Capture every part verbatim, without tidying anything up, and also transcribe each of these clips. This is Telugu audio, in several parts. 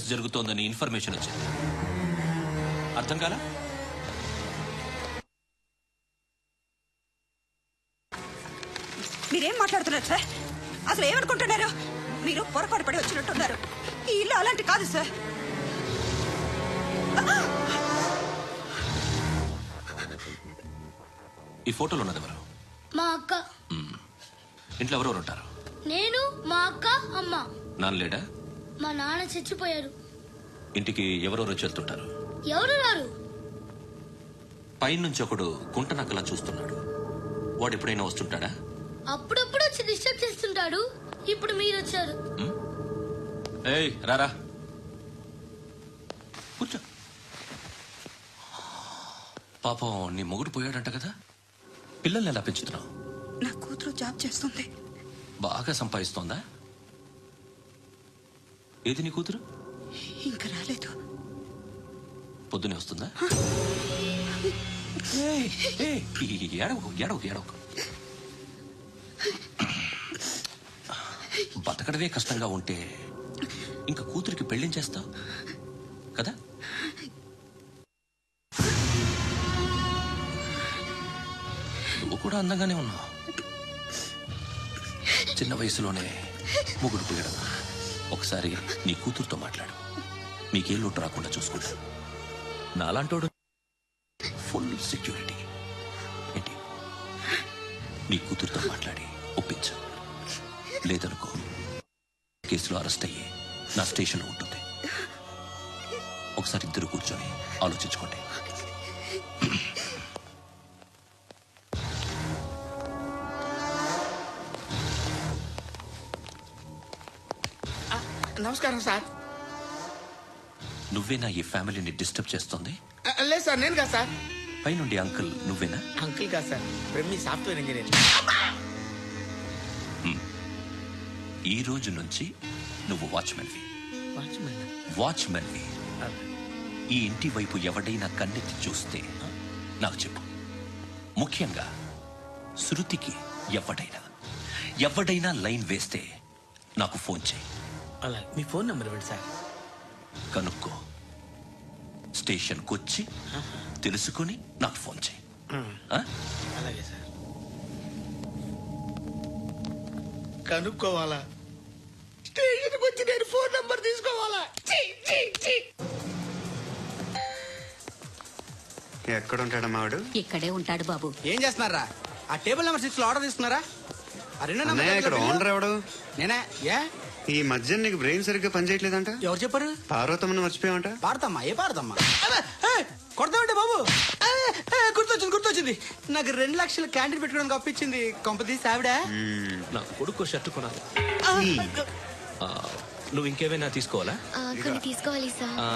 జరుగుతోందని ఇన్ఫర్మేషన్ వచ్చింది. అర్థం కాలా? మీరేం మాట్లాడుతున్నారు సార్? అసలు ఏమనుకుంటున్నారు? మీరు పొరపాటు పడి వచ్చినట్టున్నారు. ఈ ఇల్లు అలాంటి కాదు సార్. ఈ ఫోటోలో ఉన్నది ఎవరు? మా అక్క. ఇంట్లో ఎవరెవరు ఉంటారు? నేను, మా అక్క, అమ్మ. నాన్న లేడా? మా నాన్న చచ్చిపోయారు. ఇంటికి ఎవరెవరు వచ్చి వెళ్తుంటారు? ఎవరు రారు. పైనుంచి ఒకడు గుంట నక్కలా చూస్తున్నాడు. వాడు ఎప్పుడైనా వస్తుంటాడా? అప్పుడప్పుడు వచ్చి డిస్టర్బ్ చేస్తుంటాడు. ఇప్పుడు మీరు వచ్చారు. ఏయ్ రారా, కూర్చో. పాపం నీ మొగుడు పోయాడంట కదా, పిల్లల్ని ఎలా పెంచుతున్నావు? నా కూతురు జాబ్ చేస్తుంది. బాగా సంపాదిస్తోందా? ఏది నీ కూతురు? ఇంకా రాలేదు. పొద్దునే వస్తుందా? ఏడవకు ఏడవకు ఏడవకు. బతకడమే కష్టంగా ఉంటే ఇంకా కూతురికి పెళ్లించేస్తావు కదా? నువ్వు కూడా అందంగానే ఉన్నావు. చిన్న వయసులోనే మొగుడు పోయడం. ఒకసారి నీ కూతురుతో మాట్లాడు. మీకే లోటు రాకుండా చూసుకుంటా. నాలాంటోడు ఫుల్ సెక్యూరిటీ. ఏంటి, నీ కూతురుతో మాట్లాడి ఒప్పించు. లేదనుకో కేసులో అరెస్ట్ అయ్యి నా స్టేషన్లో ఉంటుంది. ఒకసారి ఇద్దరు కూర్చొని ఆలోచించుకోండి. నమస్కారం సార్. నువ్వేనా ఈ ఫ్యామిలీని డిస్టర్బ్ చేస్తుంది? లేదు సార్, నేను కాదు సార్. పైనుండి అంకుల్ నువ్వేనా? అంకుల్ కాదు సార్, మీ సాఫ్ట్వేర్ ఇంజనీర్. ఈ రోజు నుంచి నువ్వు వాచ్మెన్వి. వాచ్మెన్? వాచ్మెన్వి. ఈ ఇంటి వైపు ఎవడైనా కన్నెత్తి చూస్తే నాకు చెప్పు. ముఖ్యంగా శృతికి ఎవడైనా ఎవడైనా లైన్ వేస్తే నాకు ఫోన్ చేయి. అలా మీ ఫోన్ నెంబర్ ఇవ్వండి సార్. కనుక్కో, స్టేషన్కి వచ్చి తెలుసుకుని నాకు ఫోన్ చేయి. అలాగే సార్. కనుక్కోవాలా? స్టేషన్కి వచ్చి నేను ఫోన్ నెంబర్ తీసుకోవాలా? ఎక్కడ ఉంటాడు మావాడు? ఇక్కడే ఉంటాడు బాబు. ఏం చేస్తున్నారా? ఆ టేబుల్ నెంబర్ సిక్స్ లో ఆర్డర్ తీసుకున్నారా? ఇక్కడ ఓనర్ ఎవడు? నేనే. ఏ ఈ మధ్య నీకు బ్రెయిన్ సరిగ్గా పనిచేయట్లేదంట. ఎవరు చెప్పారు? పార్వతమ్మను మర్చిపోయామంట. పాడతామ్మా? ఏ పాడతామ్మా? కొడతామంటే బాబు. గుర్తొచ్చింది గుర్తొచ్చింది నాకు రెండు లక్షలు క్యాంటీన్ పెట్టుకోవడానికి అప్పించింది కొంపదీసి ఆవిడ. నా కొడుకు షర్ట్ కొనాలి. నువ్వు ఇంకేమైనా తీసుకోవాలా? కొన్ని తీసుకోవాలి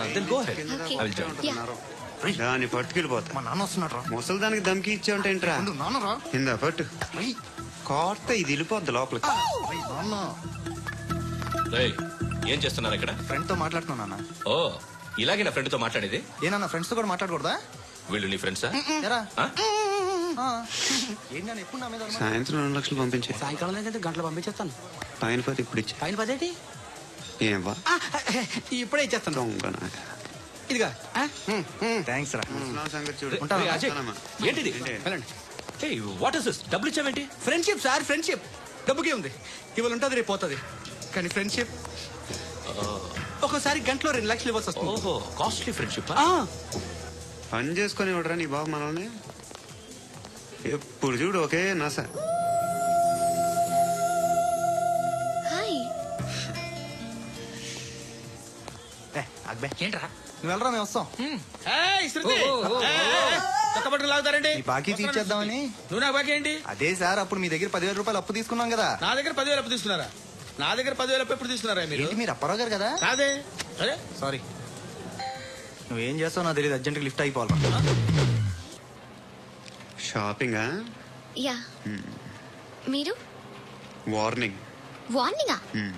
దాన్ని పట్టుకెళ్ళిపోతా. మా నాన్న వస్తున్నాడు. ముసలి దానికి దమ్కి ఇచ్చావంట ఏంట్రా? నాన్నరా ఇందా పట్టు. కోర్త ఇది వెళ్ళిపోద్ది లోపలికి. ఏం చేస్తున్నారు ఇక్కడ? ఫ్రెండ్ తో మాట్లాడుతున్నా. ఓ, ఇలాగే నా ఫ్రెండ్ తో మాట్లాడేది? ఏనా ఫ్రెండ్స్ తో కూడా మాట్లాడకూడదా? వీళ్ళు నీ ఫ్రెండ్సా? సాయంత్రం రెండు లక్షలు పంపించే. సాయంకాలం అయితే గంటలు పంపించేస్తాను. పైన పది ఇప్పుడు ఇచ్చే. పైన పదేటి? ఏం వా ఇప్పుడే ఇచ్చేస్తాను. ఇదిగా థ్యాంక్స్ రా. ఏంటిది? What is this? డబ్బులు ఇచ్చావేంటి? Friendship sir, friendship. డబ్బుకే ఉంది, ఇవాళ ఉంటుంది రేపు పోతుంది. కానీ ఫ్రెండ్షిప్ ఒక్కోసారి గంటలో రెండు లక్షలు ఇవ్వాల్సి వస్తుంది. ఓహో, కాస్ట్లీ ఫ్రెండ్షిప్. పని చేసుకుని ఇవ్వడరా నీ బాబు మనల్ని? ఎప్పుడు చూడు ఓకే నాస. ఏంట్రా నువ్వు వెళ్ళరా, మేము వస్తాం. లాగుతారండి. బాకీ తీర్చేద్దామని. నువ్వు నాకు బాకీ ఏంటి? అదే సార్, అప్పుడు మీ దగ్గర పదివేల రూపాయలు అప్పు తీసుకున్నాం కదా. నా దగ్గర పదివేలు అప్పు తీసుకున్నారా? నా దగ్గర పదివేలు అప్పు ఎప్పుడు తీసుకున్నారా మీరు? మీరు అప్పారావు గారు కదా? కాదే. అరే సారీ. నువ్వేం చేస్తావు నాకు తెలియదు, అర్జెంట్ లిఫ్ట్ అయిపోవాలి. షాపింగ్? యా. మీరు? వార్నింగ్. వార్నింగా?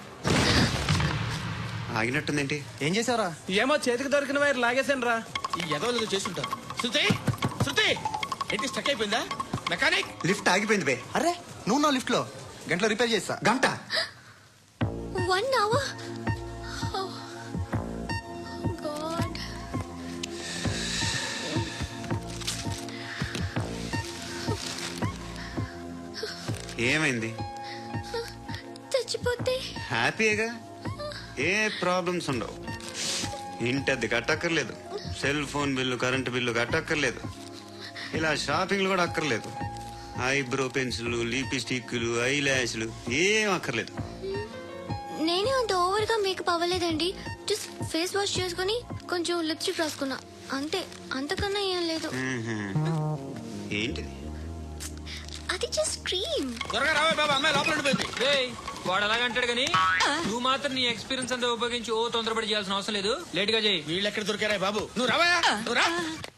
ఆగినట్టుందేంటి? ఏం చేసావురా? ఏమో చేతికి దొరికిన వైర్ లాగేసాను రా. ఈ ఎదవలు చేస్తుంటారు. శృతి, శృతి ఏంటి స్టక్ అయిపోయిందా? మెకానిక్. లిఫ్ట్ ఆగిపోయింది బే. అరే నువ్వు నా లిఫ్ట్ లో గంటలో రిపేర్ చేస్తా. గంట? One hour. ఏమైంది? చచ్చిపోతే హ్యాపీగా, ఏ ప్రాబ్లమ్స్ ఉండవు. ఇంటి అద్దె కట్టక్కర్లేదు, cell phone bill current bill కట్టక్కర్లేదు, ఇలా షాపింగ్లు కూడా అక్కర్లేదు. ఐబ్రో పెన్సిల్, లిప్స్టిక్లు, ఐ ల్యాష్లు ఏం అక్కర్లేదు. నేనే అంత ఓవర్ గా మేకప్ అవ్వలేదండి. జస్ట్ ఫేస్ వాష్ చేసుకుని కొంచెం లిప్స్టిక్ రాసుకున్నా అంతే. అంతకన్నా ఏం లేదు. మ్మ్హ్మ్. ఏంటిది? అది జస్ట్ క్రీమ్. త్వరగా రావే బాబా, అమ్మాయి లోపల ఉండిపోయింది. రేయ్, వాడు అలాగంటాడు కానీ నువ్వు మాత్రం నీ ఎక్స్పీరియన్స్ అంతా ఉపయోగించి ఓ తొందరపడి చేయాల్సిన అవసరం లేదు. లేట్ గా చేయి. వీళ్ళు ఎక్కడ దొరికారా బాబు? నువ్వు రావయా, నువ్వు రా.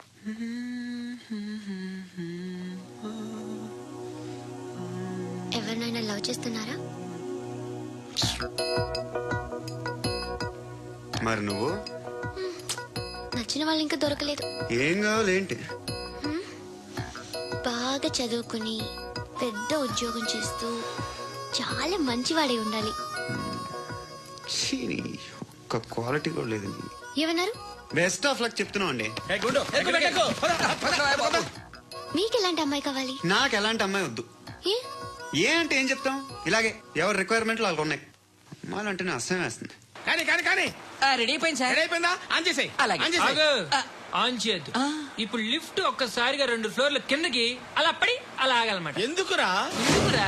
ఎవరినైనా లవ్ చేస్తున్నారా? మరి నువ్వు? నచ్చిన వాళ్ళు ఇంకా దొరకలేదు. ఏం కావాలి ఏంటి? బాగా చదువుకుని పెద్ద ఉద్యోగం చేస్తూ చాలా మంచివాడే ఉండాలి. ఛీ, నీ ఒక్క క్వాలిటీ కూడా లేదు. ఏమన్నారు? బెస్ట్ ఆఫ్ లక్ చెప్తున్నావు అండి. ఏ గుండు, ఎక్కు, ఎక్కు, ఎక్కు. పద, పద, పద, పద. మీకు ఎలాంటి అమ్మాయి కావాలి? నాకు ఎలాంటి అమ్మాయి వద్దు. ఏ? ఏ అంటే ఏం చెప్తాం, ఇలాగే ఎవరి రిక్వైర్మెంట్లు వాళ్ళకు ఉన్నాయి. అమ్మాయిలు అంటేనే అసహ్యం వేస్తుంది. కానీ కానీ కానీ రెడీ అయిపోయింది సార్. రెడీ అయిపోయిందా? ఆన్ చేసేయ్. అలాగే. ఆన్ చేసేయ్. ఆగు. ఆన్ చేయద్దు. ఇప్పుడు లిఫ్ట్ ఒక్కసారిగా రెండు ఫ్లోర్ల కిందకి అలా పడి అలా ఆగాలన్నమాట. ఎందుకురా? ఎందుకురా?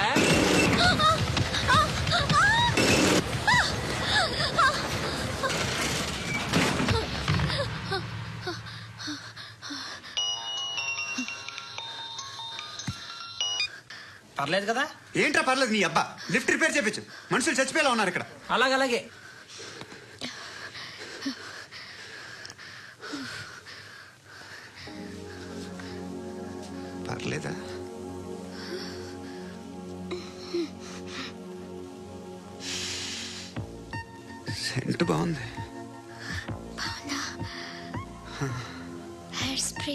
పర్లేదు కదా? ఏంట్రా పర్లేదు, నీ అబ్బా లిఫ్ట్ రిపేర్ చేపించు. మనుషులు చచ్చిపోయేలా ఉన్నారు ఇక్కడ. అలాగలాగే. పర్లేదా? సెంట్ బాగుంది. బాగుందా? Hair spray.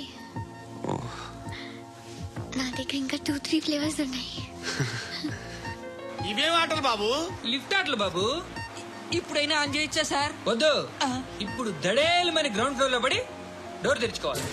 నా దగ్గర ఇంకా టూ త్రీ ఫ్లేవర్స్ ఉన్నాయి. ఇవేం ఆటలు బాబు? లిఫ్ట్ ఆటలు బాబు. ఇప్పుడైనా ఆన్ చేయొచ్చా సార్? వద్దు. ఇప్పుడు దడేలమైన గ్రౌండ్ ఫ్లోర్ లో పడి డోర్ తెరుచుకోవాలి.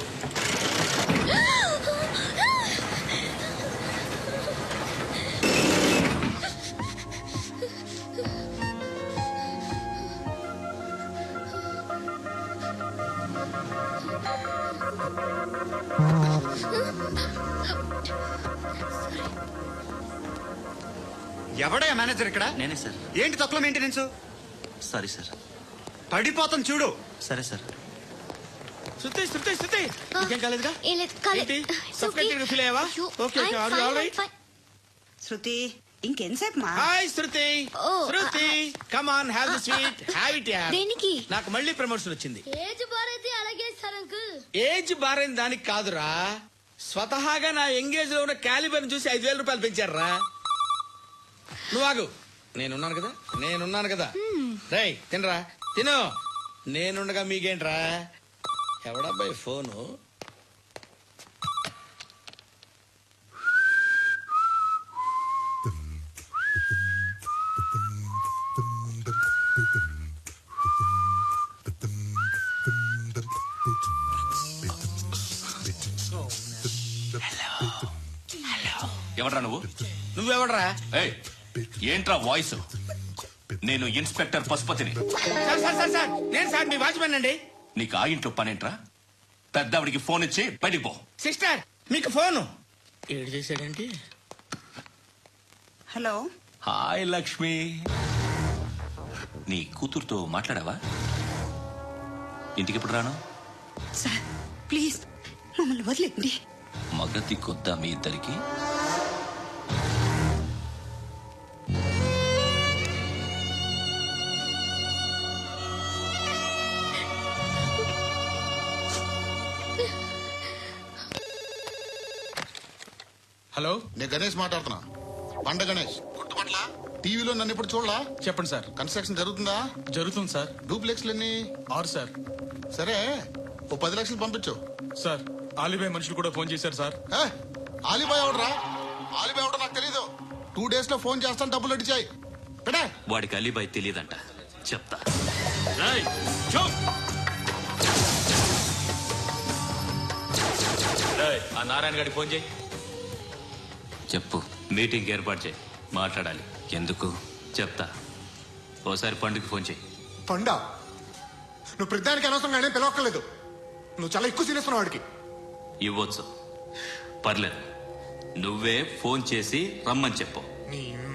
ఎవడయ్యా మేనేజర్ ఇక్కడ? నేనే సార్. ఏంటి తక్కువ మెయింటెనెన్స్? Sorry sir. పడిపోతాం చూడు. సరే సార్. శృతి, శృతి, శృతి. ఇంకేం కాలేదుగా? ఏం లేదు, కాలేదు. ఏంటి? It's Suffocated okay. feel అయ్యావా? అయ్యో, Okay, okay. I'm Are you fine, all I'm right? fine. Shruti ఇంకెంతసేపు మా? Hi Shruti. Oh, Shruti, come on, have the sweet, have it yeah. దేనికి? నాకు మళ్ళీ ప్రమోషన్ వచ్చింది. ఏజ్ బారైతే అలాగే సార్ అంకుల్. ఏజ్ బారైన దానికి కాదురా, స్వతహాగా నా ఎంగేజ్ లో ఉన్న క్యాలిబర్ చూసి ఐదు వేల రూపాయలు పెంచారా. నువ్వు ఆగు, నేనున్నాను కదా, నేనున్నాను కదా. రేయ్ తినరా, తిను. నేనుండగా మీకేంట్రా? ఎవడబ్బాయి ఫోను? ఎవడ్రా నువ్వు? నువ్వెవడరా? ఏయ్, ఏంట్రా వాయిస్? నేను ఇన్స్పెక్టర్ పశుపతిని. సార్ సార్ సార్ సార్ నేను సార్ మీ వాచ్మెన్ అండి. నీకు ఆ ఇంట్లో పనేంట్రా? పెద్దవిడికి ఫోన్ ఇచ్చి బయటికి పో. సిస్టర్ మీకు ఫోను. ఏడు చేశాడంటే. హలో. హాయ్ లక్ష్మి. నీ కూతురుతో మాట్లాడావా? ఇంటికి ఎప్పుడు రాను? సార్ ప్లీజ్ మమ్మల్ని వదిలేండి. మగతి కొద్దా మీ ఇద్దరికి? హలో, నేను గణేష్ మాట్లాడుతున్నా. పండ గణేష్ గుర్తుపట్ల టీవీలో నన్ను ఇప్పుడు చూడలా? చెప్పండి సార్. కన్స్ట్రక్షన్ జరుగుతుందా? జరుగుతుంది సార్. డూప్లెక్స్లు ఎన్ని? ఆరు సార్. సరే ఓ పది లక్షలు పంపించు. సార్ ఆలిబాయ్ మనుషులు కూడా ఫోన్ చేశారు సార్. ఏ ఆలిబాయ్ ఎవడరా? ఆలిబాయ్ ఎవడో నాకు తెలీదు. టూ డేస్ లో ఫోన్ చేస్తాను, డబ్బులు అడిచాయి. పెడే. వాడికి అలీబాయ్ తెలియదంట, చెప్తా. ఆ నారాయణ గారికి ఫోన్ చేయి. చెప్పు. మీటింగ్ ఏర్పాటు చేయి, మాట్లాడాలి. ఎందుకు? చెప్తా. ఓసారి పండుగ ఫోన్ చేయి. పండా నువ్వు ప్రతిదానికి అనవసరంగానే పిలవక్కర్లేదు. నువ్వు చాలా ఎక్కువ సీరియస్ ఉన్నావు వాడికి. ఇవ్వచ్చు, పర్లేదు. నువ్వే ఫోన్ చేసి రమ్మని చెప్పు. నీ